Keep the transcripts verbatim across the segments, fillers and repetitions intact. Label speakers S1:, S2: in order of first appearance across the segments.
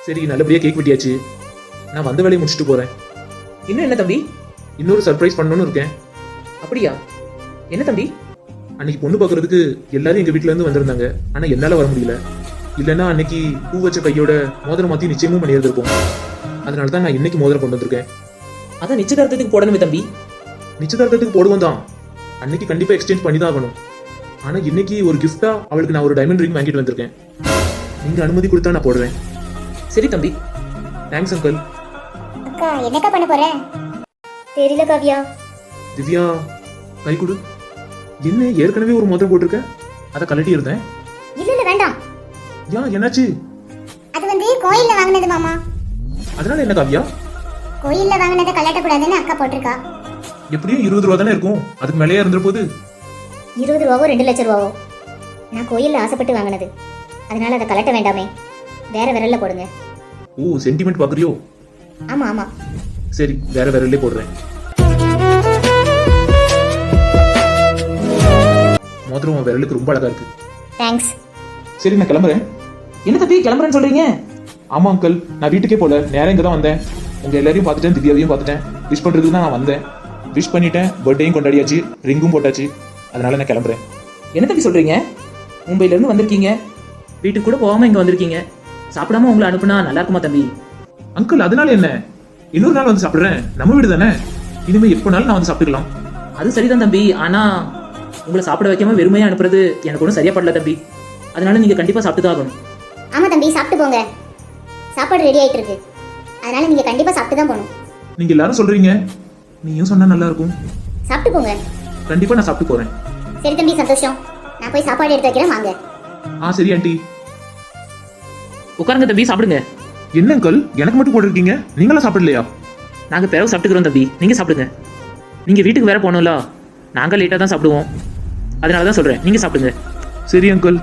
S1: சரி, நல்லபடியா கேக் வெட்டியாச்சு. நான் வந்த வேலையை முடிச்சுட்டு போறேன்.
S2: இன்னும் என்ன தம்பி?
S1: இன்னொரு சர்ப்ரைஸ் பண்ணணும்னு இருக்கேன்.
S2: அப்படியா? என்ன தம்பி?
S1: அன்னைக்கு பொண்ணு பார்க்கறதுக்கு எல்லாரும் எங்க வீட்ல இருந்து வந்திருந்தாங்க. ஆனா என்னால வர முடியல. இல்லைன்னா அன்னைக்கு பூ வச்ச கையோட மோதிரம் மாத்தி நிச்சயமும் பண்ணியிருந்திருப்போம். அதனால தான் நான் இன்னைக்கு மோதிரம் கொண்டு வந்திருக்கேன்.
S2: அதான் நிச்சயதார்த்தத்துக்கு போடணுமே தம்பி.
S1: நிச்சயதார்த்தத்துக்கு போடுவோம் தான். அன்னைக்கு கண்டிப்பா எக்ஸ்சேஞ்ச் பண்ணி தான் ஆகணும். ஆனா இன்னைக்கு ஒரு கிஃப்டா அவளுக்கு நான் ஒரு டைமண்ட் ரிங் வாங்கிட்டு வந்திருக்கேன். நீங்க அனுமதி கொடுத்தா நான் போடுவேன்.
S2: சரி தம்பி.
S1: Thanks uncle.
S3: அக்கா என்னக்கா பண்ண போற? தெரியல காவியா.
S1: திவ்யா, கை கொடு. என்ன ஏற்கனவே ஒரு மோதிரம் போட்டிருக்கேன், அதை கழட்டி இருந்தேன்.
S3: இல்ல இல்ல வேண்டாம்.
S1: யா, என்னாச்சு?
S3: அது வந்து கோயில்ல வாங்கினது மாமா.
S1: அதனால என்ன காவியா?
S3: கோயில்ல வாங்கினதை கலட்ட கூடாதுன்னு அக்கா போட்டிருக்கா.
S1: எப்படியும் இருபது ரூபா தானே இருக்கும், அதுக்கு மேலேயே இருந்துற போது.
S3: இருபது ரூபாவோ ரெண்டு லட்சம் ரூபாவோ? நான் கோயில்ல ஆசைப்பட்டு வாங்கினது, அதனால அதை கலட்ட வேண்டாமே, வேற விரல்ல போடுங்க.
S1: ஓ, சென்டிமெண்ட் பாக்குறியோ?
S3: ஆமா ஆமா.
S1: சரி, வேற விரல்லே போடுறேன். மோதிரம் உன் விரலுக்கு ரொம்ப அழகா இருக்கு.
S3: தேங்க்ஸ்.
S1: சரி, நான் கிளம்புறேன்.
S2: என்ன தம்பி கிளம்புறேன்னு சொல்றீங்க?
S1: ஆமா அங்கிள், நான் வீட்டுக்கே போல, நேரம் இங்க தான் வந்தேன். உங்க எல்லாரையும் பார்த்துட்டேன், திவ்யாவையும் பார்த்துட்டேன். விஷ் பண்றதுக்கு தான் நான் வந்தேன். விஷ் பண்ணிட்டேன், பர்த்டேயும் கொண்டாடியாச்சு, ரிங்கும் போட்டாச்சு. அதனால நான் கிளம்புறேன்.
S2: என்ன தம்பி சொல்றீங்க? மும்பைல இருந்து வந்திருக்கீங்க, வீட்டுக்கு கூட போகாம இங்க வந்திருக்கீங்க. சாப்பிடாம உங்களை அனுப்புனா நல்லா இருக்குமா தம்பி?
S1: அங்கிள், அதனால என்ன? இன்னொரு நாள் வந்து சாப்பிடுறேன், நம்ம வீடு தானே. இனிமே எப்போனாலும் நான் வந்து சாப்பிட்டுக்கலாம்.
S2: அது சரிதான் தம்பி, ஆனா உங்களை சாப்பிட வைக்காம வெறுமையா அனுப்புறது எனக்கு ஒன்றும் சரியா படல தம்பி. அதனால நீங்க கண்டிப்பா சாப்பிட்டு தான் ஆகணும்.
S3: ஆமா தம்பி, சாப்பிட்டு போங்க. சாப்பாடு ரெடி ஆயிட்டு இருக்கு, அதனால நீங்க கண்டிப்பா சாப்பிட்டு தான் போகணும்.
S1: நீங்க எல்லாரும் சொல்றீங்க, நீயும் சொன்னா நல்லா இருக்கும்.
S3: சாப்பிட்டு போங்க.
S1: கண்டிப்பா நான் சாப்பிட்டு போறேன்.
S3: சரி தம்பி, சந்தோஷம். நான் போய் சாப்பாடு எடுத்து வைக்கிறேன், வாங்க.
S1: ஆ சரி ஆண்டி.
S2: உட்காருங்க தம்பி, சாப்பிடுங்க.
S1: என்ன அங்கிள், எனக்கு மட்டும் போட்டிருக்கீங்க, நீங்களாம் சாப்பிடலையா?
S2: நாங்க பிறகு சாப்பிட்டுக்கிறோம் தம்பி, நீங்க சாப்பிடுங்க. நீங்க வீட்டுக்கு வேற போகணும்ல, நாங்க லேட்டா தான் சாப்பிடுவோம். அதனால தான் சொல்றேன், நீங்க சாப்பிடுங்க.
S1: சரி அங்கிள்.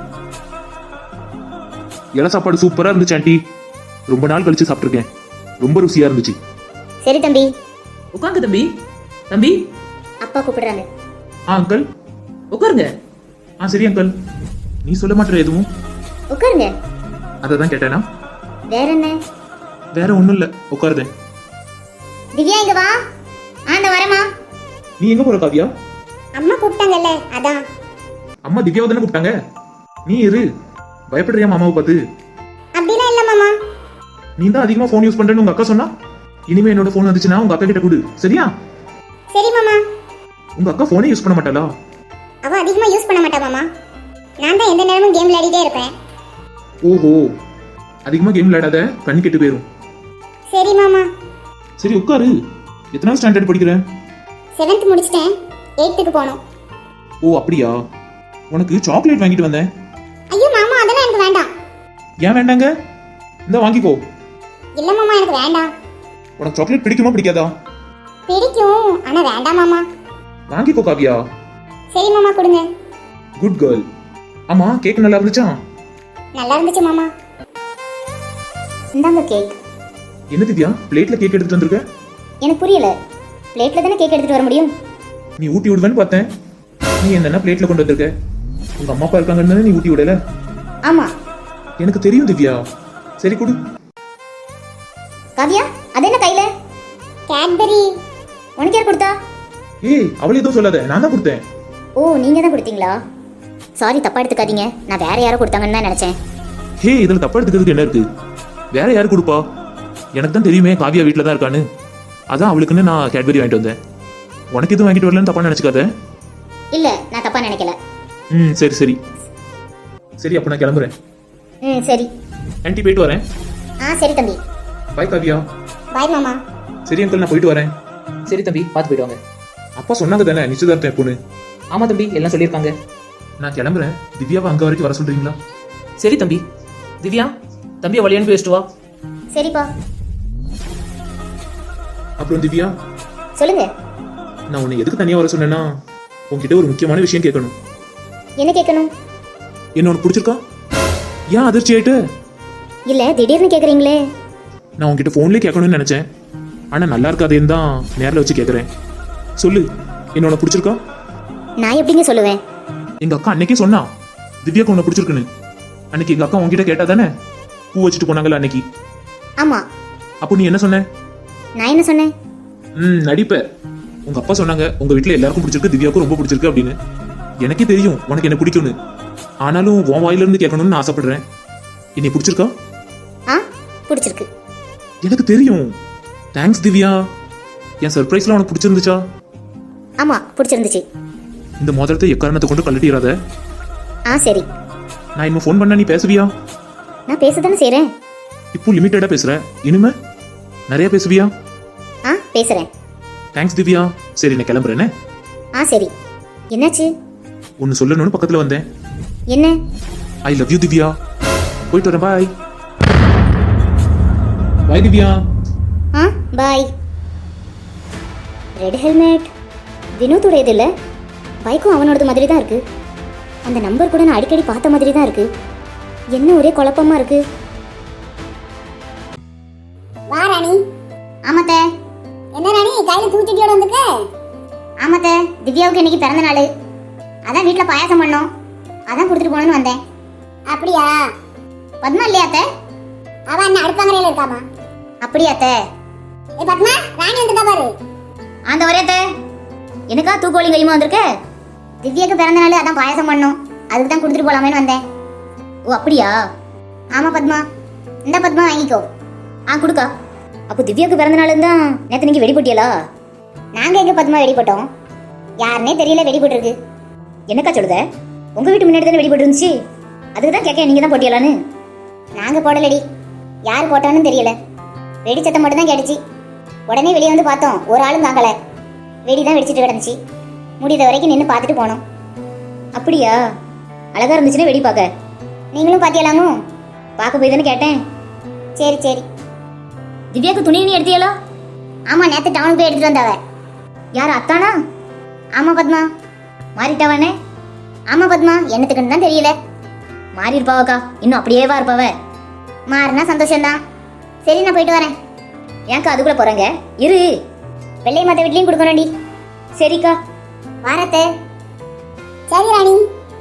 S1: இலை சாப்பாடு சூப்பரா இருந்துச்சு ஆண்டி. ரொம்ப நாள் கழிச்சு சாப்பிட்டுருக்கேன், ரொம்ப ருசியா இருந்துச்சு.
S3: சரி தம்பி.
S2: உட்காருங்க தம்பி. தம்பி,
S3: அப்பா கூப்பிடுறாங்க.
S1: ஆ அங்கிள்.
S2: உட்காருங்க.
S1: ஆ சரி அங்கிள். நீ சொல்ல மாட்டேற எதுவும்?
S3: உட்காருங்க.
S1: அதை தான் கேட்டேனா?
S3: வேற என்ன?
S1: வேற ஒண்ணும் இல்ல, உட்காருதேன்.
S3: திவ்யா இங்க வா. ஆ நான் வரேம்மா.
S1: நீ எங்க போற காவியா?
S3: அம்மா கூப்பிட்டாங்கல்ல, அதான்.
S1: அம்மா திவ்யாவை தானே கூப்பிட்டாங்க. நீ இரு. பயப்படுறியா மாமாவை பார்த்து?
S3: அப்படிலாம் இல்ல மாமா.
S1: நீ தான் அதிகமா போன் யூஸ் பண்றேன்னு உங்க அக்கா சொன்னா. இனிமே என்னோட போன் வந்துச்சுன்னா உங்க அக்கா கிட்ட கொடு, சரியா?
S3: சரி மாமா.
S1: உங்க அக்கா போனே யூஸ் பண்ண மாட்டாளா?
S3: அவ அதிகமா யூஸ் பண்ண மாட்டா மாமா. நான் தான் எந்த நேரமும் கேம் விளையாடிட்டே இருப்பேன்.
S1: ஓஹோ, அதிகமா கேம் விளையாடாத, கண்ணு கெட்டு போயிரும்.
S3: சரி மாமா.
S1: சரி உட்காரு. எத்தனாவது ஸ்டாண்டர்ட் படிக்கிற?
S3: செவன்த் முடிச்சிட்டேன், எயித்துக்கு போகணும்.
S1: ஓ அப்படியா? உனக்கு சாக்லேட் வாங்கிட்டு வந்தேன்.
S3: ஐயோ மாமா, அதெல்லாம் எனக்கு வேண்டாம்.
S1: ஏன் வேண்டாங்க? இந்த வாங்கிக்கோ.
S3: இல்ல மாமா, எனக்கு வேண்டாம்.
S1: உனக்கு சாக்லேட் பிடிக்குமா பிடிக்காதா?
S3: பிடிக்கும், ஆனா வேண்டாம் மாமா.
S1: வாங்கிக்கோ காவியா.
S3: சரி மாமா, கொடுங்க.
S1: Good girl. ஆமா, கேக் நல்லா இருந்துச்சா?
S3: நல்லா இருந்துச்சு மாமா. இந்தாங்க கேக்.
S1: என்ன திவ்யா, பிளேட்ல கேக் எடுத்துட்டு வந்திருக்க?
S3: எனக்கு புரியல, பிளேட்ல தானே கேக் எடுத்துட்டு வர முடியும்.
S1: நீ ஊட்டி விடுவேன்னு பார்த்தேன். நீ என்னன்னா பிளேட்ல கொண்டு வந்திருக்க? உங்க அம்மா அப்பா இருக்காங்கன்னு தானே நீ ஊட்டி விடல?
S3: ஆமா.
S1: எனக்கு தெரியும் திவ்யா. சரி கொடு.
S3: காவியா, அது என்ன கையில? கேட்பரி. உனக்கு யார் கொடுத்தா?
S1: ஏய், அவளே எதுவும் சொல்லாத, நான் தான் கொடுத்தேன்.
S3: ஓ, நீங்க தான் கொடுத்தீங்களா? சாரி, தப்பா எடுத்துக்காதீங்க. நான் வேற யாரோ கொடுத்தாங்கன்னு தான் நினைச்சேன்.
S1: ஹே, இதுல தப்பா எடுத்துக்கிறதுக்கு என்ன இருக்கு? வேற யாரு கொடுப்பா? எனக்கு தான் தெரியுமே காவியா வீட்டில் தான் இருக்கான்னு. அதான் அவளுக்குன்னு நான் கேட்பரி வாங்கிட்டு வந்தேன். உனக்கு எதுவும் வாங்கிட்டு வரலன்னு தப்பா நினைச்சுக்காத.
S3: இல்ல, நான் தப்பா நினைக்கல.
S1: ம் சரி சரி சரி, அப்போ நான் கிளம்புறேன்.
S3: ம் சரி.
S1: ஆன்ட்டி போயிட்டு வரேன்.
S3: ஆ சரி தம்பி.
S1: பாய் காவியா.
S3: பாய் மாமா.
S1: சரி அங்கிள், நான் போயிட்டு வரேன்.
S2: சரி தம்பி, பார்த்து போயிட்டு வாங்க.
S1: அப்பா சொன்னாங்க தானே நிச்சயதார்த்தம் எப்போன்னு?
S2: ஆமா தம்பி, எல்லாம் சொல்லியிருக்காங்க.
S1: நான் கிளம்புறேன். திவ்யாவை அங்க வரைக்கும் வர சொல்றீங்களா?
S2: சரி தம்பி. திவ்யா, தம்பியை வழி அனுப்பி வச்சுட்டு வா.
S3: சரிப்பா.
S1: அப்புறம் திவ்யா,
S3: சொல்லுங்க.
S1: நான் உன்னை எதுக்கு தனியா வர சொன்னேன்னா, உன்கிட்ட ஒரு முக்கியமான விஷயம் கேட்கணும்.
S3: என்ன கேட்கணும்?
S1: என்ன உனக்கு பிடிச்சிருக்கா? ஏன் அதிர்ச்சி ஆயிட்டு?
S3: இல்ல, திடீர்னு கேக்குறீங்களே.
S1: நான் உன்கிட்ட போன்லயே கேட்கணும்னு நினைச்சேன், ஆனா நல்லா இருக்காதேன்னு தான் நேரில் வச்சு கேட்கறேன். சொல்லு, என்ன உனக்கு பிடிச்சிருக்கா?
S3: நான் எப்படிங்க சொல்லுவேன்?
S1: எங்க அக்கா அன்னைக்கே சொன்னா திவ்யாக்கு உன்னை பிடிச்சிருக்குன்னு. அன்னைக்கு எங்க அக்கா உன்கிட்ட கேட்டா தானே பூ வச்சுட்டு போனாங்கல்ல அன்னைக்கு.
S3: ஆமா.
S1: அப்போ நீ என்ன சொன்ன?
S3: நான் என்ன சொன்னேன்?
S1: ம் நடிப்ப. உங்க அப்பா சொன்னாங்க உங்க வீட்ல எல்லாருக்கும் பிடிச்சிருக்கு, திவ்யாவுக்கும் ரொம்ப பிடிச்சிருக்கு அப்படின்னு. எனக்கே தெரியும் உனக்கு என்ன பிடிக்கும்னு. ஆனாலும் உன் வாயில இருந்து கேட்கணும்னு நான் ஆசைப்படுறேன். என்னை பிடிச்சிருக்கா?
S3: ஆ பிடிச்சிருக்கு.
S1: எனக்கு தெரியும். தேங்க்ஸ் திவ்யா. என் சர்ப்ரைஸ்லாம் உனக்கு பிடிச்சிருந்துச்சா?
S3: ஆமா பிடிச்சிருந்துச்சு.
S1: இந்த மோதிரத்தை எக்காரணத்தை கொண்டு கழட்டிடாத.
S3: ஆ சரி.
S1: நான் இன்னும் ஃபோன் பண்ணா நீ பேசுவியா?
S3: நான் பேசத்தானே செய்றேன்.
S1: இப்போ லிமிட்டடா பேசுற. இனிமே நிறைய பேசுவியா?
S3: ஆ பேசுறேன்.
S1: தேங்க்ஸ் திவ்யா. சரி நான் கிளம்புறேனே.
S3: ஆ சரி. என்னாச்சு?
S1: ஒன்னு சொல்லணும்னு பக்கத்துல வந்தேன்.
S3: என்ன?
S1: I love you Divya. போயிட்டு வரேன். பாய். பாய் திவ்யா.
S3: ஆ பாய். ரெட் ஹெல்மெட் வினோத்துடையது இல்லை. பைக்கும் அவனோடது மாதிரி தான் இருக்கு. அந்த நம்பர் கூட நான் அடிக்கடி பார்த்த மாதிரி தான் இருக்கு. என்ன ஒரே குழப்பமா இருக்கு. வா ராணி. ஆமாத்த. என்ன ராணி கையில தூக்கிட்டியோட வந்துக்க? ஆமாத்த, திவ்யாவுக்கு இன்னைக்கு பிறந்த நாள். அதான் வீட்ல பாயாசம் பண்ணோம். அதான் கொடுத்துட்டு போகணும்னு வந்தேன். அப்படியா? பத்மா இல்லையா அத்தை? அவ அண்ணன் அடுப்பாங்கரையில இருக்காமா. அப்படியா அத்தை? ஏ பத்மா, ராணி வந்துட்டா பாரு. ஆந்த ஒரே அத்தை. எனக்கா தூக்கோலி கையுமா வந்திருக்க? திவ்யாக்கு பிறந்த நாள், அதான் பாயாசம் பண்ணோம். அதுக்கு தான் கொடுத்துட்டு போலாமேன்னு வந்தேன். ஓ அப்படியா? ஆமா பத்மா. இந்த பத்மா வாங்கிக்கோ. ஆ கொடுக்கா. அப்போ திவ்யாக்கு பிறந்த நாள் தான் நேற்று நீங்கள் வெடி போட்டியலா? நாங்கள் எங்கே பத்மா வெடி போட்டோம்? யாருன்னே தெரியல வெடி போட்டிருக்கு. என்னக்கா சொல்லுத? உங்கள் வீட்டு முன்னாடி தானே வெடி போட்டு இருந்துச்சு. அதுக்கு தான் கேட்க நீங்கள் தான் போட்டியலான்னு. நாங்கள் போடலடி. யார் போட்டான்னு தெரியல. வெடி சத்தம் மட்டும் தான் கேட்டுச்சு. உடனே வெளியே வந்து பார்த்தோம், ஒரு ஆளும் தாக்கலை. வெடி தான் வெடிச்சிட்டு கிடந்துச்சு. முடிந்த வரைக்கும் நின்று பார்த்துட்டு போனோம். அப்படியா? அழகா இருந்துச்சுன்னா வெடி பார்க்க. நீங்களும் பார்த்தியலாமோ? பார்க்க போய் தானே கேட்டேன். சரி சரி. திவ்யாவுக்கு துணி நீ எடுத்தியலா? ஆமா, நேற்று டவுனுக்கு போய் எடுத்துட்டு வந்தாவ. யார் அத்தானா? ஆமா பத்மா. மாறிட்டாவானே? ஆமா பத்மா, என்னத்துக்குன்னு தான் தெரியல. மாறி இருப்பாவக்கா, இன்னும் அப்படியேவா இருப்பாவ. மாறினா சந்தோஷம்தான். சரி நான் போயிட்டு வரேன். ஏன்க்கா அதுக்குள்ள போறேங்க? இரு, வெள்ளை மத்த வீட்லயும் கொடுக்கணும்டி. சரிக்கா வாரத்தே. சரி ராணி.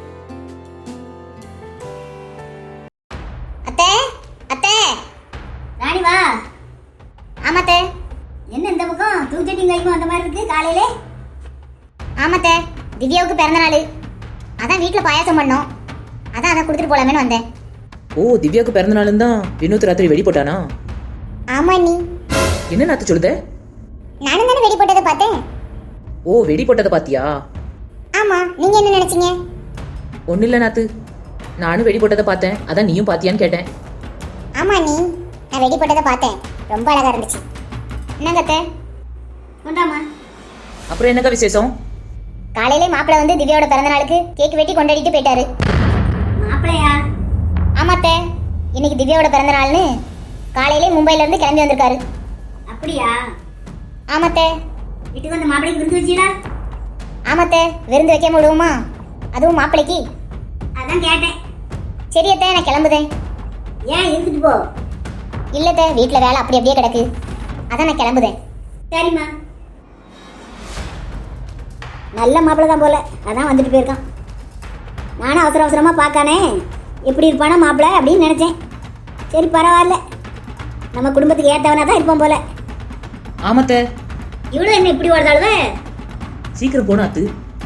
S3: அத்தை அத்தை. ராணி வா. ஆமாத்தே. என்ன இந்த பக்கம் தூக்கிட்டு கைக்கும் அந்த மாதிரி இருக்கு காலையிலே? ஆமாத்தே, திவ்யாவுக்கு பிறந்த நாள். அதான் வீட்டில் பாயாசம் பண்ணோம். அதான் அதை கொடுத்துட்டு போலாமேன்னு வந்தேன்.
S2: ஓ திவ்யாவுக்கு பிறந்த நாளும் தான் வினோத் ராத்திரி வெடி போட்டானா?
S3: ஆமா நீ
S2: என்ன நாத்து சொல்லுத?
S3: நானும் தானே வெடி போட்டதை பார்த்தேன்.
S2: ஓ வெடி போட்டதை பாத்தியா?
S3: ஆமா, நீங்க என்ன நினைச்சீங்க?
S2: ஒன்றும் இல்லை நாத்து, நானும் வெடி போட்டதை பார்த்தேன். அதான் நீயும் பாத்தியான்னு கேட்டேன்.
S3: ஆமா நீ, நான் வெடி போட்டதை பார்த்தேன். ரொம்ப அழகா இருந்துச்சு. என்னங்கத்த கொண்டாமா.
S2: அப்புறம் என்னக்கா விசேஷம்?
S3: காலையிலே மாப்பிள்ளை வந்து திவ்யாவோட பிறந்த நாளுக்கு கேக் வெட்டி கொண்டாடிட்டு போயிட்டாரு. மாப்பிள்ளையா? ஆமாத்தே, இன்னைக்கு திவ்யாவோட பிறந்த நாள்னு காலையிலே மும்பைல இருந்து கிளம்பி வந்திருக்காரு. அப்படியா? ஆமாத்தே. வீட்டுக்கு வந்து மாப்பிள்ளைக்கு விருந்து வச்சீங்களா? ஆமாத்தே, விருந்து வைக்க முடியுமா? அதுவும் மாப்பிள்ளைக்கு. அதான் கேட்டேன். சரி அத்தை, நான் கிளம்புதேன். ஏன் இருந்துட்டு போ. இல்லத்தே, வீட்டில் வேலை அப்படி அப்படியே கிடக்கு. அதான் நான் கிளம்புதேன். சரிம்மா. நல்ல மாப்பிள்ளை தான் போல, அதான் வந்துட்டு போயிருக்கான். நானும் அவசர அவசரமாக பார்க்கானே எப்படி இருப்பானா மாப்பிள்ளை அப்படின்னு நினச்சேன். சரி பரவாயில்ல, நம்ம குடும்பத்துக்கு ஏற்றவனா தான் இருப்போம் போல.
S2: ஆமாத்த.
S3: இவ்வளோ என்ன இப்படி வருதாளுவே?
S2: சீக்கிரம் போன அத்து.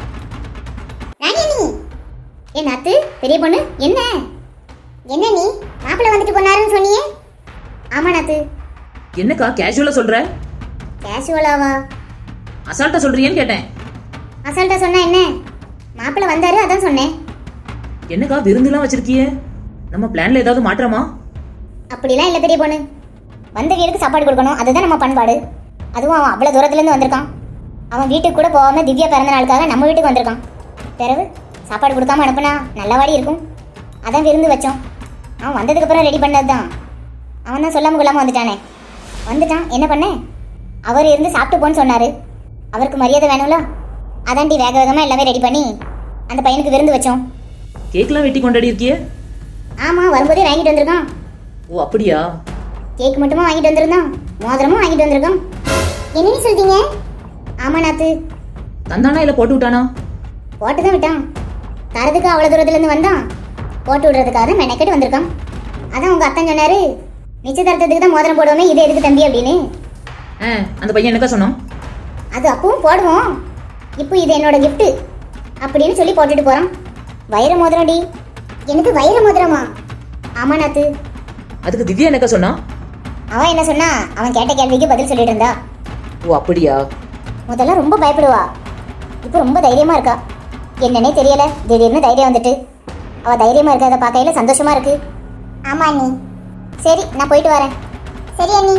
S3: என் அத்து பெரிய பொண்ணு. என்ன என்ன நீ மாப்பிள்ளை வந்துட்டு போனாருன்னு சொன்னியே? ஆமா நாத்து.
S2: என்னக்கா கேஷுவலா சொல்ற?
S3: கேஷுவலாவா?
S2: அசால்ட்டா சொல்றியேன்னு கேட்டேன்.
S3: அசால்ட்டா சொன்னா என்ன? மாப்பிள்ளை வந்தாரு அதான் சொன்னேன்.
S2: என்னக்கா விருந்துலாம் வச்சிருக்கியே? நம்ம பிளான்ல ஏதாவது மாற்றமா?
S3: அப்படிலாம் இல்லை பெரிய பொண்ணு. வந்த வீட்டுக்கு சாப்பாடு கொடுக்கணும், அதுதான் நம்ம பண்பாடு. அதுவும் அவன் அவ்வளோ தூரத்துலேருந்து வந்திருக்கான். அவன் வீட்டுக்கு கூட போகாம திவ்யா பிறந்த நாளுக்காக நம்ம வீட்டுக்கு வந்திருக்கான். பிறகு சாப்பாடு கொடுக்காம அனுப்புனா நல்லவாடி இருக்கும். அதான் விருந்து வச்சோம். அவன் வந்ததுக்கப்புறம் ரெடி பண்ணது தான். அவன் தான் சொல்லாமல் கொள்ளாமல் வந்துட்டானே. வந்துட்டான், என்ன பண்ண? அவர் இருந்து சாப்பிட்டு போன்னு சொன்னார். அவருக்கு மரியாதை வேணும்ல. அதான்டி வேக வேகமாக எல்லாமே ரெடி பண்ணி அந்த பையனுக்கு விருந்து வச்சோம்.
S2: கேக்லாம் வெட்டி கொண்டாடி இருக்கியே?
S3: ஆமாம், வரும்போதே வாங்கிட்டு வந்திருக்கான்.
S2: ஓ அப்படியா?
S3: கேக் மட்டுமா வாங்கிட்டு வந்திருந்தான், மோதிரமும் வாங்கிட்டு வந்திருக்கான். என்னன்னு சொல்றீங்க? ஆமா நாத்து.
S2: தந்தானா இல்லை போட்டு விட்டானா?
S3: போட்டு தான் விட்டான். தரதுக்கு அவ்வளோ தூரத்துலேருந்து வந்தான். போட்டு விடுறதுக்காக தான் மெனக்கெட்டு வந்திருக்கான். அதான் உங்கள் அத்தன் சொன்னார், நிச்சயதார்த்தத்துக்கு தான் மோதிரம் போடுவோமே, இது எதுக்கு தம்பி அப்படின்னு.
S2: ஆ அந்த பையன் என்னக்கா சொன்னான்?
S3: அது அப்பவும் போடுவோம், இப்போ இது என்னோட gift அப்படின்னு சொல்லி போட்டுட்டு போறான். வைர மோதிரம் டி. எனக்கு வைர மோதிரமா? ஆமா நாத்து.
S2: அதுக்கு திவ்யா என்னக்கா சொன்னா?
S3: அவன் என்ன சொன்னா, அவன் கேட்ட கேள்விக்கு பதில் சொல்லிட்டு இருந்தா.
S2: ஓ அப்படியா?
S3: முதல்ல ரொம்ப பயப்படுவா, இப்போ ரொம்ப தைரியமா இருக்கா. என்னன்னே தெரியல, திடீர்னு தைரியம் வந்துட்டு. அவ தைரியமா இருக்கிறத பார்க்கையில சந்தோஷமா இருக்கு. ஆமா அண்ணி. சரி நான் போயிட்டு வரேன். சரி அண்ணி.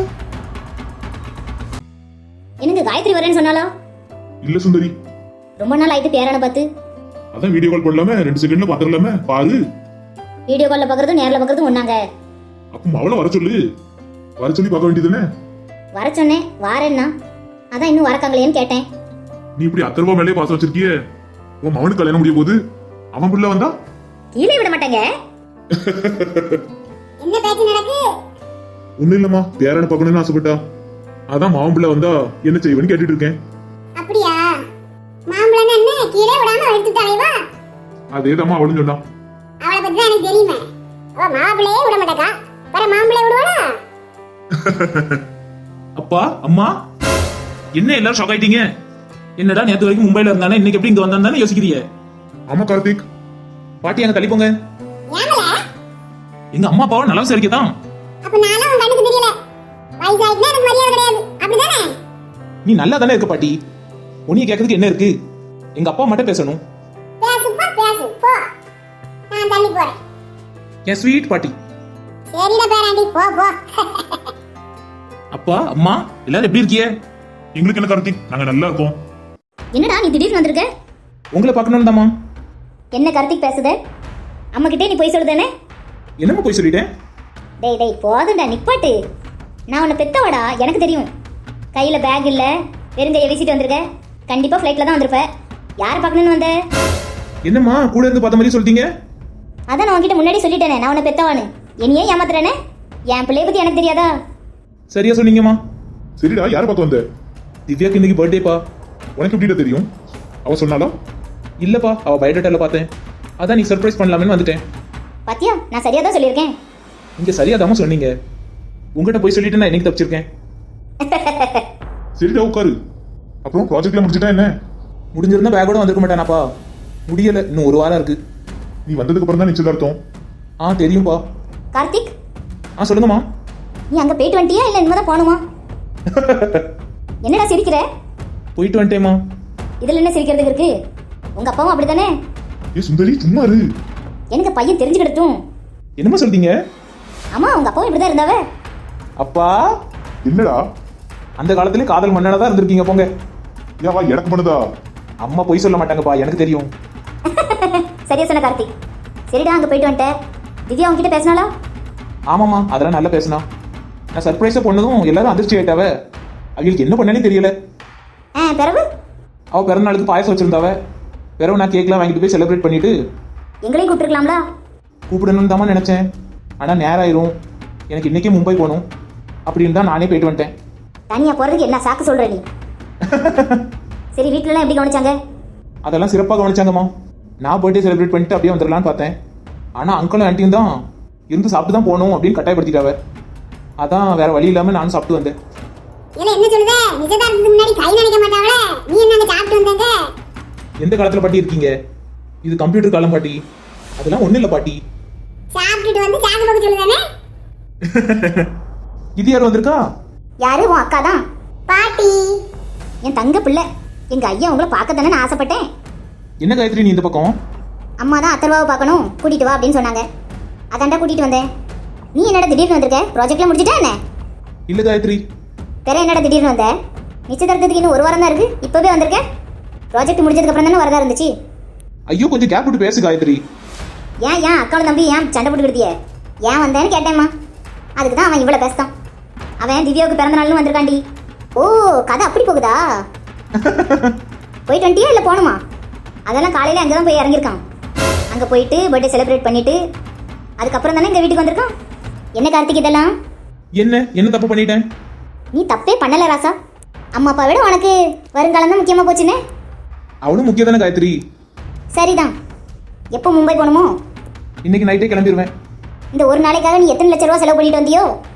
S3: எனக்கு காயத்ரி வரேன்னு சொன்னாலா?
S4: இல்ல சுந்தரி,
S3: ரொம்ப நாள் ஆயிட்டு பேரான பார்த்து.
S4: அதான் வீடியோ கால் பண்ணலாம, ரெண்டு செகண்ட்ல பாத்துடலாம பாரு.
S3: வீடியோ கால்ல பாக்குறதும் நேர்ல பாக்குறதும் ஒண்ணாங்க.
S4: அப்ப அவளை வர சொல்லு, வர சொல்லி பார்க்க வேண்டியதுதானே.
S3: வர சொன்னேன், வாரேன்னா. அதான் இன்னும் வரக்காங்களேன்னு கேட்டேன்.
S4: நீ இப்படி அத்தனை ரூபாய் மேலே பாசம் வச்சிருக்கிய, உன் மவனுக்கு கல்யாணம் முடிய போது அவன் புள்ள வந்தா
S3: கீழே விட மாட்டாங்க. என்ன பேச்சு நடக்கு?
S4: ஒண்ணு இல்லம்மா, பேரனை பார்க்கணும்னு ஆசைப்பட்டா, அதான் மாவன் பிள்ளை வந்தா என்ன செய்வேன்னு கேட்டுட்டு இருக்கேன்.
S3: அப்படியா? மாம்பழம் என்ன கீழே விடாம எடுத்துட்டாலே வா.
S4: அதேதாம்மா அவளும் சொன்னா.
S3: அவளை பத்தி தான் எனக்கு தெரியுமே. அவ மாப்பிளையே விட மாட்டாக்கா, வேற மாம்பிளைய விடுவாளா?
S1: அப்பா அம்மா என்ன எல்லாரும் ஷாக் ஆயிட்டீங்க? என்னடா நேத்து வரைக்கும் மும்பைல இருந்தானே, இன்னைக்கு எப்படி இங்க வந்தானே யோசிக்கிறீங்க?
S4: ஆமா கார்த்திக்.
S1: பாட்டி அங்க தள்ளி போங்க.
S3: ஏமல?
S1: எங்க அம்மா அப்பாவும் நல்லா சரிக்கதான்.
S3: அப்ப நானும் உன் கண்ணுக்கு தெரியல. வயசாயிட்டா எனக்கு மரியாதை கிடையாது, அப்படிதானே?
S1: நீ நல்லா தானே இருக்க பாட்டி, உன்னைய கேட்கறதுக்கு என்ன இருக்கு? எங்க அப்பா மட்டும் பேசணும்.
S3: பேசு போ, பேசு போ. நான் தள்ளி போறேன்.
S1: என் ஸ்வீட் பாட்டி.
S3: சரிடா பேராண்டி, போ போ.
S1: அப்பா அம்மா எல்லாரும் எப்படி இருக்கீங்க?
S4: எங்களுக்கு என்ன கார்த்திக், நாங்க நல்லா இருக்கோம்.
S3: என்னடா நீ திடீர்னு வந்திருக்க?
S1: உங்களை பார்க்கணும் தாமா.
S3: என்ன கார்த்திக் பேசுத? அம்மா கிட்டே நீ போய் சொல்லுதானே?
S1: என்னம்மா போய் சொல்லிட்டேன்?
S3: டேய் டேய் போதும்டா, நிப்பாட்டு. நான் உன்னை பெத்தவடா, எனக்கு தெரியும். கையில பேக் இல்ல, வெறுங்கைய வீசிட்டு வந்திருக்க. கண்டிப்பா ஃப்ளைட்ல தான் வந்திருப்ப. யாரை பார்க்கணும்னு வந்த?
S1: என்னம்மா கூட இருந்து பார்த்த மாதிரி சொல்லிட்டீங்க?
S3: அதான் நான் உன்கிட்ட முன்னாடி சொல்லிட்டேனே, நான் உன்னை பெத்தவானு. என்னையே ஏமாத்துறேனே? என் பிள்ளைய பத்தி எனக்கு தெரியாதா?
S1: சரியா சொன்னீங்கம்மா.
S4: சரிடா, யாரை பார்க்க வந்த?
S1: திவ்யாக்கு இன்னைக்கு பர்த்டேப்பா.
S4: உனக்கு எப்படிடா தெரியும்? அவ சொன்னாலா?
S1: இல்லப்பா, அவ பயோடேட்டால பார்த்தேன், அதான் நீ சர்ப்ரைஸ் பண்ணலாமேன்னு வந்துட்டேன்.
S3: பாத்தியா, நான் சரியா தான் சொல்லியிருக்கேன்.
S1: நீங்க சரியாதாம சொன்னீங்க. உங்ககிட்ட போய் சொல்லிட்டு நான் இன்னைக்கு தப்பிச்சிருக்கேன்.
S4: சரிடா உட்காரு. அப்புறம் ப்ராஜெக்ட்ல முடிச்சிட்டா என்ன?
S1: முடிஞ்சிருந்தா பேக்கோட வந்திருக்க மாட்டானாப்பா. முடியல, இன்னும் ஒரு வாரம் இருக்கு.
S4: நீ வந்ததுக்கு அப்புறம் தான் நிச்சயதார்த்தம்.
S1: ஆ தெரியும்பா.
S3: கார்த்திக்,
S1: ஆ சொல்லுங்கம்மா.
S3: நீ அங்க போயிட்டு வந்துட்டியா இல்ல இனிமே தான் போகணுமா? என்னடா சிரிக்கிற?
S1: போயிட்டு வந்துட்டேம்மா.
S3: இதுல என்ன சிரிக்கிறதுக்கு இருக்கு? உங்க அப்பாவும் அப்படிதானே?
S4: ஏ சுந்தரி, சும்மா இரு.
S3: எனக்கு பையன் தெரிஞ்சுக்கிடட்டும்.
S1: என்னம்மா சொல்றீங்க?
S3: ஆமா, உங்க அப்பாவும் இப்படிதான் இருந்தாவ.
S1: அப்பா
S4: என்னடா?
S1: அந்த காலத்துல காதல் மன்னனா தான் இருந்திருக்கீங்க போங்க.
S4: ஏவா எனக்கு பண்ணுதா?
S1: அம்மா போய் சொல்ல மாட்டாங்கப்பா, எனக்கு தெரியும்.
S3: சரியா சொன்ன கார்த்திக். சரிடா, அங்க போயிட்டு வந்துட்டேன். திவ்யா உன்கிட்ட பேசினாளா?
S1: ஆமாம்மா, அதெல்லாம் நல்லா பேசினா. நான் சர்ப்ரைஸா பண்ணதும் எல்லாரும் அதிர்ச்சி ஆயிட்டாவ. அவங்களுக்கு என்ன பண்ணனே தெரியல.
S3: ஆ பிறகு
S1: அவ பிறந்த நாளுக்கு பாயசம் வச்சிருந்தாவ. பிறகு நான் கேக்லாம் வாங்கிட்டு போய் செலிப்ரேட் பண்ணிட்டு
S3: எங்களையும் கூப்பிட்டுருக்கலாம்ல?
S1: கூப்பிடணும்னு தான் நினைச்சேன். ஆனா நேரம் ஆயிரும், எனக்கு இன்னைக்கே மும்பை போகணும் அப்படின்னு தான் நானே போயிட்டு வந்துட்டேன்.
S3: தனியா போறதுக்கு என்ன சாக்கு சொல்ற நீ? சரி, வீட்டுல எல்லாம் எப்படி கவனிச்சாங்க?
S1: அதெல்லாம் சிறப்பாக கவனிச்சாங்கம்மா. நான் பர்த்டே செலிப்ரேட் பண்ணிட்டு அப்படியே வந்துடலான்னு பார்த்தேன். ஆனா அங்கிளும் ஆண்டியும் தான் இருந்து சாப்பிட்டு தான் போகணும் அப்படின்னு கட்டாயப்படுத்திட்டாவ. அதான் வேற வழி இல்லாம நானும் சாப்பிட்டு வந்தேன்.
S3: இல்ல என்ன சொல்லுதே? நிச்சயதார்த்தத்துக்கு முன்னாடி கை நினைக்க மாட்டாங்களே, நீ என்ன சாப்பிட்டு வந்தங்க?
S1: எந்த காலத்துல பாட்டி இருக்கீங்க? இது கம்ப்யூட்டர் காலம் பாட்டி. அதெல்லாம் ஒண்ணு இல்ல பாட்டி.
S3: சாப்பிட்டுட்டு வந்து சாக்கு போக சொல்லுதானே?
S1: இது யார் வந்திருக்கா?
S3: யாரு? உன் அக்கா தான். பாட்டி, என் தங்க பிள்ளை. எங்க ஐயா உங்களை பார்க்க தானே நான் ஆசைப்பட்டேன்.
S1: என்ன காயத்ரி நீ இந்த பக்கம்?
S3: அம்மா தான் அத்தர்வாவை பார்க்கணும், கூட்டிட்டு வா அப்படின்னு சொன்னாங்க. அதான்டா கூட்டிட்டு வந்தேன். நீ என்னடா திடீர்னு வந்திருக்க? ப்ராஜெக்ட்ல முடிச்சிட்டா என்ன?
S1: இல்ல காயத்ரி.
S3: வேற என்னடா திடீர்னு வந்த? நிச்சயதார்த்தத்துக்கு இன்னும் ஒரு வாரம் தான் இருக்கு, இப்பவே வந்திருக்க? ப்ராஜெக்ட் முடிஞ்சதுக்கு அப்புறம் தானே வரதா இருந்துச்சு.
S1: ஐயோ கொஞ்சம் கேப் விட்டு பேசு காயத்ரி.
S3: ஏன் ஏன் அக்காவும் தம்பி ஏன் சண்டை போட்டுக்கிட்டியே? ஏன் வந்தேன்னு கேட்டேம்மா. அதுக்கு தான் அவன் இவ்வளோ பேசுதான். அவன் திவ்யாவுக்கு பிறந்த நாள்னு வந்திருக்காண்டி. ஓ, கதை அப்படி போகுதா? போயிட்டு வந்துட்டியா இல்லை போகணுமா? அதெல்லாம் காலையில் அங்கே தான் போய் இறங்கியிருக்கான். அங்கே போயிட்டு பர்த்டே செலிப்ரேட் பண்ணிட்டு அதுக்கப்புறம் தானே இந்த வீட்டுக்கு வந்திருக்கான். என்ன கார்த்திக் இதெல்லாம்?
S1: என்ன என்ன தப்பு பண்ணிட்டேன்?
S3: நீ தப்பே பண்ணல ராசா. அம்மா அப்பா விட உனக்கு வருங்காலம் தான் முக்கியமாக போச்சுன்னு.
S1: அவனும் முக்கியம் தானே காயத்ரி.
S3: சரிதான். எப்போ மும்பை போகணுமோ?
S1: இன்னைக்கு நைட்டே கிளம்பிடுவேன்.
S3: இந்த ஒரு நாளைக்காக நீ எத்தனை லட்ச ரூபா செலவு பண்ணிட்டு வந்தியோ?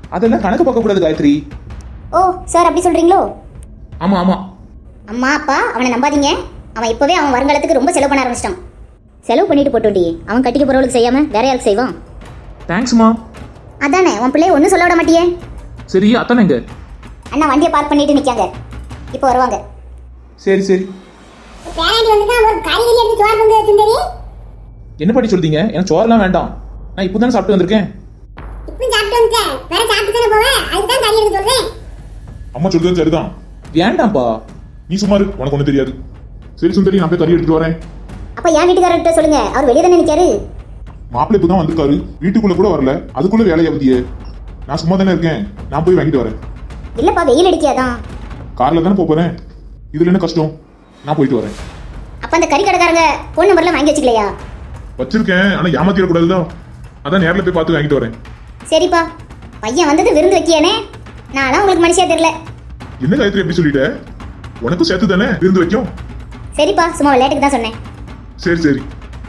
S1: அதெல்லாம் கணக்கு பார்க்க கூடாது காயத்ரி.
S3: ஓ சார் அப்படி சொல்றீங்களோ?
S1: ஆமா ஆமா.
S3: அம்மா அப்பா அவனை நம்பாதீங்க. அவன் இப்போவே அவன் வருங்காலத்துக்கு ரொம்ப செலவு பண்ண ஆரம்பிச்சிட்டான். செலவு பண்ணிட்டு போட்டோண்டி, அவன் கட்டிக்க போறவளுக்கு செய்யாம வேற யாருக்கு செய்வான்?
S1: தேங்க்ஸ்மா.
S3: அதானே உன் பிள்ளைய ஒன்றும் சொல்ல விட மாட்டியே.
S1: சரி அத்தானே எங்க?
S3: அண்ணா வண்டியை பார்க் பண்ணிட்டு நிற்காங்க, இப்போ வருவாங்க.
S1: சரி சரி.
S3: பேராண்டி வந்து ஒரு காய்கறி எடுத்து சோறு பொங்க வச்சுருந்தேரி.
S1: என்ன பண்ணி சொல்றீங்க? எனக்கு சோறுலாம் வேண்டாம், நான் இப்போ தானே சாப்பிட்டு வந்திருக்கேன்.
S3: இப்போ சாப்பிட்டு வந்துட்டேன், வேற சாப்பிட்டு தானே போவேன், அதுக்கு தான் கறி எடுத்து சொல்றேன்.
S4: அம்மா சொல்றது சரிதான்.
S1: வேண்டாம்ப்பா.
S4: நீ சும்மா இரு, உனக்கு ஒன்றும் தெரியாது. சரி சுந்தரி, நான் போய் கறி எடுத்துட்டு வரேன்.
S3: அப்ப என் வீட்டுக்காரர்கிட்ட சொல்லுங்க, அவர் வெளியே தானே நிற்காரு.
S4: மாப்பிள்ளை இப்போ தான் வந்திருக்காரு, வீட்டுக்குள்ள கூட வரல, அதுக்குள்ள வேலையை பத்தியே. நான் சும்மா தானே இருக்கேன், நான் போய் வாங்கிட்டு வரேன்.
S3: இல்லப்பா வெயில் அடிக்காதான்.
S4: கார்ல தானே போப் போறேன், இதுல என்ன கஷ்டம்? நான் போயிட்டு வரேன்.
S3: அப்ப அந்த கறி கடைக்காரங்க போன் நம்பர்லாம் வாங்கி வச்சுக்கலையா?
S4: வச்சிருக்கேன், ஆனா ஏமாத்திடக்கூடாதுதான். அதான் நேரில் போய் பார்த்து வாங்கிட்டு வரேன்.
S3: சரிப்பா, பையன் வந்தது விருந்து வைக்கியானே, நான்லாம் உங்களுக்கு மனுஷியா தெரியல.
S4: என்ன காயத்ரி எப்படி சொல்லிட்ட? உனக்கும் சேர்த்து தானே விருந்து வைக்கும்.
S3: சரிப்பா, சும்மா விளையாட்டுக்கு தான் சொன்னேன்.
S4: சரி சரி.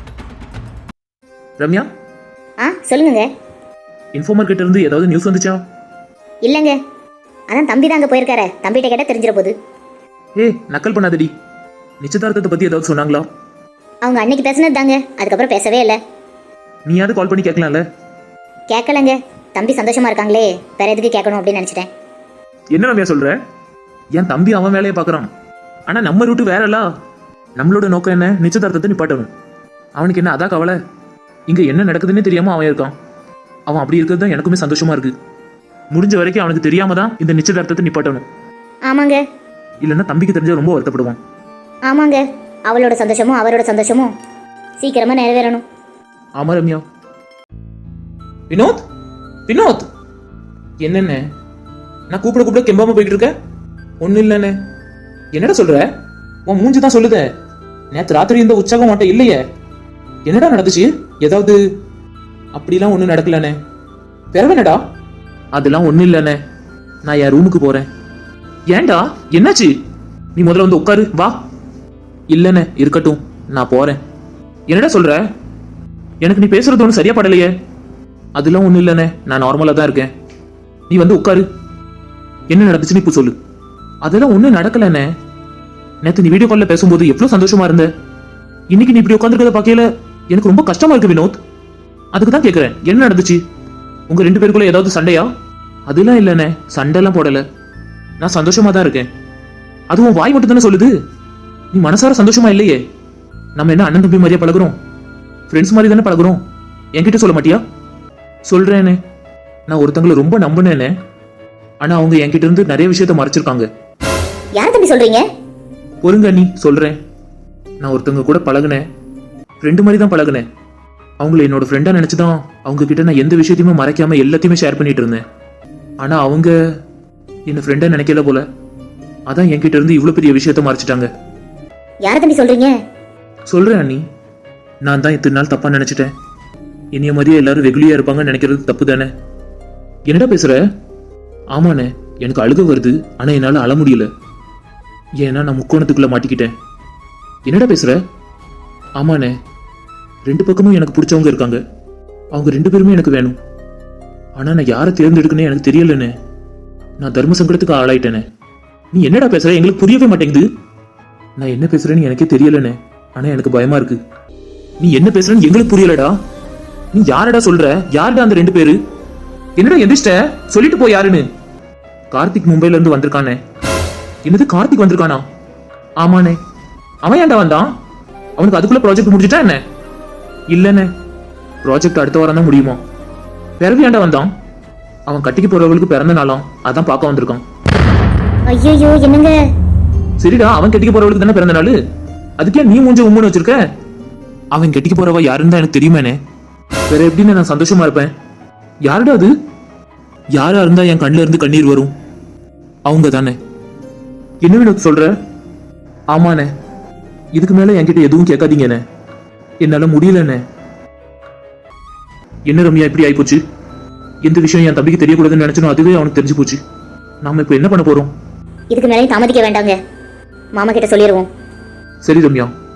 S2: ரம்யா,
S3: ஆ சொல்லுங்க.
S2: இன்ஃபார்மர் கிட்ட இருந்து ஏதாவது நியூஸ் வந்துச்சா?
S3: இல்லைங்க, அதான் தம்பி தான் அங்கே போயிருக்காரு, தம்பிகிட்ட கேட்டால் தெரிஞ்சிட போகுது.
S2: ஏய் நக்கல் பண்ணாதடி. நிச்சயதார்த்தத்தை பத்தி ஏதாவது சொன்னாங்களா?
S3: அவங்க அன்னைக்கு பேசினது தாங்க, அதுக்கப்புறம் பேசவே இல்லை.
S2: நீயாவது கால் பண்ணி கேட்கலாம்ல?
S3: கேட்கலங்க, தம்பி சந்தோஷமா இருக்காங்களே, வேற எதுக்கு கேட்கணும் அப்படின்னு நினச்சிட்டேன்.
S2: என்ன ரம்யா சொல்ற? என் தம்பி அவன் வேலையை பார்க்கறான், ஆனா நம்ம ரூட்டு வேறல்ல. நம்மளோட நோக்கம் என்ன? நிச்சயதார்த்தத்தை நிப்பாட்டணும். அவனுக்கு என்ன அதான் கவலை? இங்க என்ன நடக்குதுன்னு தெரியாம அவன் இருக்கான். அவன் அப்படி இருக்கிறது தான் எனக்குமே சந்தோஷமா இருக்கு. முடிஞ்ச வரைக்கும் அவனுக்கு தெரியாம தான் இந்த நிச்சயதார்த்தத்தை நிப்பாட்டணும்.
S3: ஆமாங்க.
S2: இல்லைன்னா தம்பிக்கு தெரிஞ்சா ரொம்ப வருத்தப்படுவான்.
S3: ஆமாங்க, அவளோட சந்தோஷமும் அவரோட சந்தோஷமும் சீக்கிரமா நிறைவேறணும்.
S2: ஆமா ரம்யா.
S1: வினோத் வினோத், என்னென்ன நான் கூப்பிட கூப்பிட கெம்பாம போயிட்டு இருக்க? ஒன்னும் இல்லைண்ணே. என்னடா சொல்ற? உன் மூஞ்சி தான் சொல்லுத. நேற்று ராத்திரி இந்த உற்சாகம் மாட்ட இல்லையே. என்னடா நடந்துச்சு? ஏதாவது? அப்படிலாம் ஒன்றும் நடக்கலண்ணே. பிறவேனடா?
S2: அதெல்லாம் ஒன்றும் இல்லைண்ணே, நான் என் ரூமுக்கு போறேன். ஏன்டா என்னாச்சு? நீ முதல்ல வந்து உட்காரு வா. இல்லைண்ணே இருக்கட்டும், நான் போறேன். என்னடா சொல்ற? எனக்கு நீ பேசுறது ஒன்றும் சரியா படலையே. அதெல்லாம் ஒன்றும் இல்லைண்ணே, நான் நார்மலாக தான் இருக்கேன். நீ வந்து உட்காரு. என்ன நடந்துச்சுன்னு இப்போ சொல்லு. அதெல்லாம் ஒன்றும் நடக்கலண்ணே. நேற்று நீ வீடியோ காலில் பேசும்போது எவ்வளோ சந்தோஷமா இருந்த. இன்னைக்கு நீ இப்படி உட்காந்துருக்கத பார்க்கல எனக்கு ரொம்ப கஷ்டமா இருக்கு வினோத். அதுக்கு தான் கேட்குறேன், என்ன நடந்துச்சு? உங்க ரெண்டு பேருக்குள்ள ஏதாவது சண்டையா? அதெல்லாம் இல்லைண்ணே, சண்டைலாம் போடல. நான் சந்தோஷமா தான் இருக்கேன். அதுவும் வாய் மட்டும் தானே சொல்லுது. நீ மனசார சந்தோஷமா இல்லையே. நம்ம என்ன அண்ணன் தம்பி மாதிரியா பழகுறோம்? ஃப்ரெண்ட்ஸ் மாதிரி தானே பழகுறோம். என்கிட்ட சொல்ல மாட்டியா? சொல்றேனே, நான் ஒருத்தங்களை ரொம்ப நம்பினேனே, ஆனா அவங்க என்கிட்ட இருந்து நிறைய விஷயத்த மறைச்சிருக்காங்க.
S3: யார் தம்பி சொல்றீங்க?
S2: பொறுங்க நீ சொல்றேன். நான் ஒருத்தவங்க கூட பழகுனேன், ஃப்ரெண்டு மாதிரி தான் பழகுனேன். அவங்கள என்னோட ஃப்ரெண்டா நினைச்சுதான் அவங்க கிட்ட நான் எந்த விஷயத்தையுமே மறைக்காம எல்லாத்தையுமே ஷேர் பண்ணிட்டு இருந்தேன். ஆனா அவங்க என்ன ஃப்ரெண்டா நினைக்கல போல. அதான் என்கிட்ட இருந்து இவ்வளவு பெரிய விஷயத்த மறைச்சிட்டாங்க.
S3: யார் தம்பி சொல்றீங்க?
S2: சொல்றேன் அண்ணி, நான் தான் இத்தனை நாள் தப்பா நினைச்சிட்டேன். என்னைய மாதிரியே எல்லாரும் வெகுளியா இருப்பாங்கன்னு நினைக்கிறது தப்பு தானே. என்னடா பேசுற? ஆமாண்ணே, எனக்கு அழுக வருது, ஆனா என்னால அழ முடியல. ஏன்னா நான் முக்கோணத்துக்குள்ள மாட்டிக்கிட்டேன். என்னடா பேசுற? ஆமாண்ணே, ரெண்டு பக்கமும் எனக்கு பிடிச்சவங்க இருக்காங்க. அவங்க ரெண்டு பேருமே எனக்கு வேணும். ஆனா நான் யாரை தேர்ந்தெடுக்கனே எனக்கு தெரியலண்ணே. நான் தர்ம சங்கடத்துக்கு ஆளாயிட்டேனே. நீ என்னடா பேசுற? எங்களுக்கு புரியவே மாட்டேங்குது. நான் என்ன பேசுறேன்னு எனக்கே தெரியலண்ணே, ஆனா எனக்கு பயமா இருக்கு. நீ என்ன பேசுறன்னு எங்களுக்கு புரியலடா. நீ யாரடா சொல்ற? யாருடா அந்த ரெண்டு பேரு? என்னடா எந்திரிச்சிட்ட? சொல்லிட்டு போ யாருன்னு. கார்த்திக் மும்பைல இருந்து வந்திருக்கானே. என்னது கார்த்திக் வந்திருக்கானா? ஆமாண்ணே. அவன் ஏன்டா வந்தான்? அவனுக்கு அதுக்குள்ள ப்ராஜெக்ட் முடிஞ்சிட்டா என்ன? இல்லண்ணே, ப்ராஜெக்ட் அடுத்த வாரம் தான் முடியுமா. பிறகு ஏன்டா வந்தான்? அவன் கட்டிக்கு போறவங்களுக்கு பிறந்த நாளாம், அதான் பார்க்க வந்திருக்கான்.
S3: ஐயோ என்னங்க?
S2: சரிடா, அவன் கட்டிக்க போறவளுக்கு தானே பிறந்த நாள், அதுக்கே நீ மூஞ்ச உம்முன்னு வச்சிருக்க? அவன் கட்டிக்க போறவ யாருன்னு தான் எனக்கு தெரியுமேனே. வேற எப்படின்னு நான் சந்தோஷமா இருப்பேன்? யாருடா அது? யாரா இருந்தா என் கண்ணுல இருந்து கண்ணீர் வரும்? அவங்க தானே. என்ன வினோத் சொல்ற? ஆமாண்ணே, இதுக்கு மேல என்கிட்ட எதுவும் கேட்காதீங்கண்ணே, என்னால முடியலண்ணே. என்ன ரம்யா இப்படி ஆயிப்போச்சு? எந்த விஷயம் என் தம்பிக்கு தெரியக்கூடாதுன்னு நினைச்சனோ அதுவே அவனுக்கு தெரிஞ்சு போச்சு. நாம இப்ப என்ன பண்ண போறோம்?
S3: இதுக்கு மேலே தாமதிக்க வேண்டாங்க, மாமா கிட்ட சொல்லிடுவோம்.
S2: சரி ரம்யா,